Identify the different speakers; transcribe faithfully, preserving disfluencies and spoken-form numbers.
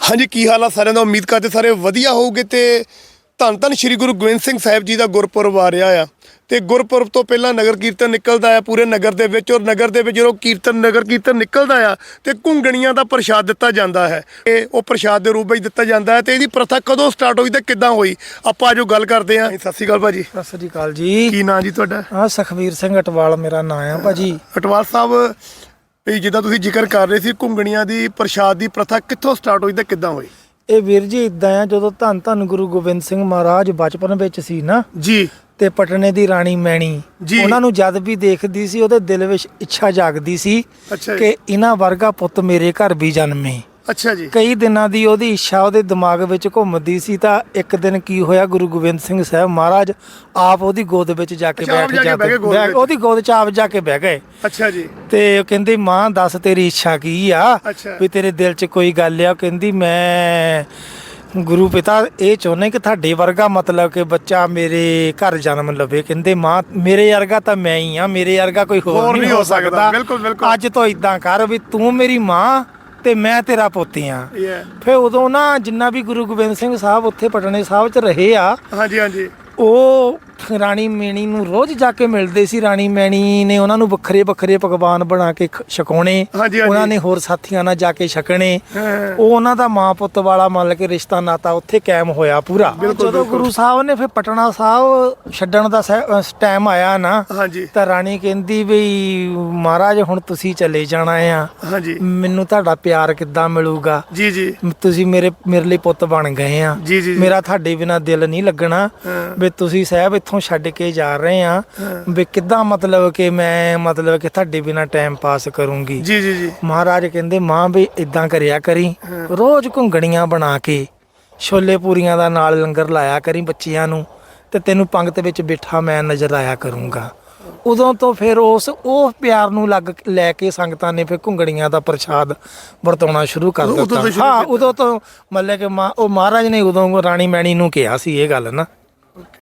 Speaker 1: हाँ जी, की हाल आ सारिਆਂ ਦਾ। ਉਮੀਦ ਕਰਦੇ ਸਾਰੇ ਵਧੀਆ ਹੋਊਗੇ ਤੇ ਧੰਨ ਧੰਨ ਸ਼੍ਰੀ ਗੁਰੂ ਗੋਬਿੰਦ ਸਿੰਘ ਸਾਹਿਬ ਜੀ ਦਾ ਗੁਰਪੁਰਬ ਆ ਰਿਹਾ ਆ ਤੇ ਗੁਰਪੁਰਬ ਤੋਂ ਪਹਿਲਾਂ ਨਗਰ ਕੀਰਤਨ ਨਿਕਲਦਾ ਆ ਪੂਰੇ ਨਗਰ ਦੇ ਵਿੱਚ। ਔਰ ਨਗਰ ਦੇ ਵਿੱਚ ਜਦੋਂ ਕੀਰਤਨ ਨਗਰ ਕੀਰਤਨ ਨਿਕਲਦਾ ਆ ਤੇ ਘੁੰਗਣੀਆਂ ਦਾ ਪ੍ਰਸ਼ਾਦ ਦਿੱਤਾ ਜਾਂਦਾ ਹੈ। ਇਹ ਉਹ ਪ੍ਰਸ਼ਾਦ ਦੇ ਰੂਪ ਵਿੱਚ ਦਿੱਤਾ ਜਾਂਦਾ ਹੈ। ਤੇ ਇਹਦੀ ਪ੍ਰਥਾ ਕਦੋਂ ਸਟਾਰਟ ਹੋਈ ਤੇ ਕਿੱਦਾਂ ਹੋਈ, ਆਪਾਂ ਜੋ ਗੱਲ ਕਰਦੇ ਹਾਂ। ਸਤਿ ਸ਼੍ਰੀ ਅਕਾਲ ਭਾਜੀ।
Speaker 2: ਸਤਿ ਸ੍ਰੀ ਅਕਾਲ ਜੀ।
Speaker 1: ਕੀ ਨਾਂ ਜੀ ਤੁਹਾਡਾ?
Speaker 2: ਹਾਂ, ਸੁਖਵੀਰ ਸਿੰਘ ਅਟਵਾਲ ਮੇਰਾ ਨਾਂ ਆ ਭਾਜੀ।
Speaker 1: ਅਟਵਾਲ ਸਾਹਿਬ, ਵੀ ਜਿੱਦਾਂ ਤੁਸੀਂ ਜ਼ਿਕਰ ਕਰ ਰਹੇ ਸੀ ਘੁੰਗਣੀਆਂ ਦੀ ਪ੍ਰਸ਼ਾਦ ਦੀ ਪ੍ਰਥਾ ਕਿੱਥੋਂ ਸਟਾਰਟ ਹੋਈ ਤੇ ਕਿੱਦਾਂ ਹੋਈ?
Speaker 2: ਇਹ ਵੀਰ ਜੀ ਇਦਾਂ ਆ, ਜਦੋਂ ਧੰਨ ਧੰਨ ਗੁਰੂ ਗੋਬਿੰਦ ਸਿੰਘ ਮਹਾਰਾਜ ਬਚਪਨ ਵਿੱਚ ਸੀ ਨਾ
Speaker 1: ਜੀ,
Speaker 2: ਤੇ ਪਟਨੇ ਦੀ ਰਾਣੀ ਮੈਣੀ
Speaker 1: ਜੀ।
Speaker 2: ਉਹਨਾਂ ਨੂੰ ਜਦ ਵੀ ਦੇਖਦੀ ਸੀ ਉਹਦੇ ਦਿਲ ਵਿੱਚ ਇੱਛਾ ਜਾਗਦੀ ਸੀ
Speaker 1: ਅੱਛਾ ਜੀ।
Speaker 2: ਕਿ ਇਹਨਾਂ ਵਰਗਾ ਪੁੱਤ ਮੇਰੇ ਘਰ ਵੀ ਜਨਮੇ।
Speaker 1: ਅੱਛਾ ਜੀ।
Speaker 2: ਕਈ ਦਿਨਾਂ ਦੀ ਉਹਦੀ ਇੱਛਾ ਉਹਦੇ ਦਿਮਾਗ ਵਿੱਚ ਘੁੰਮਦੀ ਸੀ। ਤਾਂ ਇੱਕ ਦਿਨ ਕੀ ਹੋਇਆ, ਗੁਰੂ ਗੋਬਿੰਦ ਸਿੰਘ ਸਾਹਿਬ ਮਹਾਰਾਜ ਆਪ ਉਹਦੀ ਗੋਦ ਵਿੱਚ ਜਾ ਕੇ
Speaker 1: ਅੱਛਾ, ਆਪ
Speaker 2: ਬੈਠ
Speaker 1: ਜਾ ਕੇ ਬਹਿ ਗਏ ਗੋਦ
Speaker 2: ਜਾਂਦੇ,
Speaker 1: ਵਿੱਚ।
Speaker 2: ਉਹਦੀ ਗੋਦ 'ਚ ਆਪ ਜਾ ਕੇ ਬਹਿ ਗਏ।
Speaker 1: ਅੱਛਾ ਜੀ।
Speaker 2: ਤੇ ਉਹ ਕਹਿੰਦੀ, ਮਾਂ ਦੱਸ ਤੇਰੀ ਇੱਛਾ ਕੀ ਆ,
Speaker 1: ਅੱਛਾ।
Speaker 2: ਵੀ ਤੇਰੇ ਦਿਲ 'ਚ ਕੋਈ ਗੱਲ ਆ। ਉਹ ਕਹਿੰਦੀ, ਮੈਂ ਗੁਰੂ ਪਿਤਾ ਇਹ ਚਾਹੁੰਦੇ ਕਿ ਤੁਹਾਡੇ ਵਰਗਾ ਮਤਲਬ ਕਿ ਬੱਚਾ ਮੇਰੇ ਘਰ ਜਨਮ ਲਵੇ। ਕਹਿੰਦੇ, ਮਾਂ ਮੇਰੇ ਵਰਗਾ ਤਾਂ ਮੈਂ ਹੀ ਆ, ਮੇਰੇ ਵਰਗਾ ਕੋਈ ਹੋਰ ਨਹੀਂ ਹੋ ਸਕਦਾ।
Speaker 1: ਬਿਲਕੁਲ ਬਿਲਕੁਲ।
Speaker 2: ਅੱਜ ਤੋਂ ਇਦਾਂ ਕਰ ਵੀ ਤੂੰ ਮੇਰੀ ਮਾਂ ਤੇ ਮੈਂ ਤੇਰਾ ਪੋਤੀ ਆ।
Speaker 1: Yeah.
Speaker 2: ਫਿਰ ਉਦੋਂ ਨਾ ਜਿੰਨਾ ਵੀ ਗੁਰੂ ਗੋਬਿੰਦ ਸਿੰਘ ਸਾਹਿਬ ਉੱਥੇ ਪਟਨੇ ਸਾਹਿਬ 'ਚ ਰਹੇ ਆ,
Speaker 1: ਹਾਂਜੀ ਹਾਂਜੀ।
Speaker 2: ਉਹ ਰਾਣੀ ਮੈਣੀ ਨੂੰ ਰੋਜ਼ ਜਾ ਕੇ ਮਿਲਦੇ ਸੀ। ਰਾਣੀ ਮੈਣੀ ਨੇ ਉਹਨਾਂ ਨੂੰ ਵੱਖਰੇ ਵੱਖਰੇ ਪਕਵਾਨ ਬਣਾ ਕੇ ਖ- ਛਕਾਉਣੇ।
Speaker 1: ਹਾਂਜੀ, ਹਾਂਜੀ।
Speaker 2: ਉਹਨਾਂ ਨੇ ਹੋਰ ਸਾਥੀਆਂ ਨਾਲ ਜਾ ਕੇ ਛਕਣੇ।
Speaker 1: ਹਾਂ।
Speaker 2: ਉਹ ਉਹਨਾਂ ਦਾ ਮਾਂ ਪੁੱਤ ਵਾਲਾ ਮੰਨ ਕੇ ਰਿਸ਼ਤਾ ਨਾਤਾ ਉੱਥੇ ਕਾਇਮ ਹੋਇਆ ਪੂਰਾ। ਜਦੋਂ ਗੁਰੂ ਸਾਹਿਬ ਨੇ ਫਿਰ ਪਟਨਾ ਸਾਹਿਬ ਛੱਡਣ ਦਾ ਟਾਈਮ ਆਇਆ ਨਾ,
Speaker 1: ਹਾਂਜੀ
Speaker 2: ਤਾਂ ਰਾਣੀ ਕਹਿੰਦੀ ਵੀ ਮਹਾਰਾਜ ਹੁਣ ਤੁਸੀਂ ਚਲੇ ਜਾਣਾ ਆ,
Speaker 1: ਹਾਂਜੀ।
Speaker 2: ਮੈਨੂੰ ਤੁਹਾਡਾ ਪਿਆਰ ਕਿੱਦਾਂ ਮਿਲੂਗਾ?
Speaker 1: ਜੀ ਜੀ
Speaker 2: ਤੁਸੀਂ ਮੇਰੇ ਮੇਰੇ ਲਈ ਪੁੱਤ ਬਣ ਗਏ ਆ,
Speaker 1: ਜੀ ਜੀ।
Speaker 2: ਮੇਰਾ ਤੁਹਾਡੇ ਬਿਨਾ ਦਿਲ ਨਹੀਂ ਲੱਗਣਾ।
Speaker 1: ਹਾਂ।
Speaker 2: ਵੀ ਤੁਸੀਂ ਸਾਹਿਬ ਇੱਥੋਂ ਛੱਡ ਕੇ ਜਾ ਰਹੇ ਆ, ਵੀ ਕਿੱਦਾਂ ਮਤਲਬ ਕਿ ਮੈਂ ਮਤਲਬ ਕਿ ਤੁਹਾਡੇ ਬਿਨਾ ਟਾਈਮ ਪਾਸ ਕਰੂੰਗੀ।
Speaker 1: ਜੀ ਜੀ ਜੀ।
Speaker 2: ਮਹਾਰਾਜ ਕਹਿੰਦੇ, ਮਾਂ ਵੀ ਇਦਾਂ ਕਰਿਆ ਕਰੀ, ਰੋਜ਼ ਘੁੰਗਣੀਆਂ ਬਣਾ ਕੇ ਛੋਲੇ ਪੂਰੀਆਂ ਦਾ ਨਾਲ ਲੰਗਰ ਲਾਇਆ ਕਰੀ ਬੱਚਿਆਂ ਨੂੰ, ਤੇ ਤੈਨੂੰ ਪੰਗਤ ਵਿੱਚ ਬਿਠਾ ਮੈਂ ਨਜ਼ਰ ਆਇਆ ਕਰੂੰਗਾ। ਉਦੋਂ ਤੋਂ ਫਿਰ ਉਸ ਉਹ ਪਿਆਰ ਨੂੰ ਲੱਗ ਲੈ ਕੇ ਸੰਗਤਾਂ ਨੇ ਫਿਰ ਘੁੰਗਣੀਆਂ ਦਾ ਪ੍ਰਸ਼ਾਦ ਵਰਤਾਉਣਾ ਸ਼ੁਰੂ ਕਰ
Speaker 1: ਉਦੋਂ
Speaker 2: ਦਿੱਤਾ।
Speaker 1: ਤੋਂ ਸ਼ੁਰੂ
Speaker 2: ਹਾਂ,
Speaker 1: ਕੀਤਾ।
Speaker 2: ਉਦੋਂ ਤੋਂ ਮਤਲਬ ਕਿ ਮਾਂ ਉਹ ਮਹਾਰਾਜ ਨੇ ਉਦੋਂ ਰਾਣੀ ਮੈਣੀ ਨੂੰ ਕਿਹਾ ਸੀ ਇਹ ਗੱਲ ਨਾ।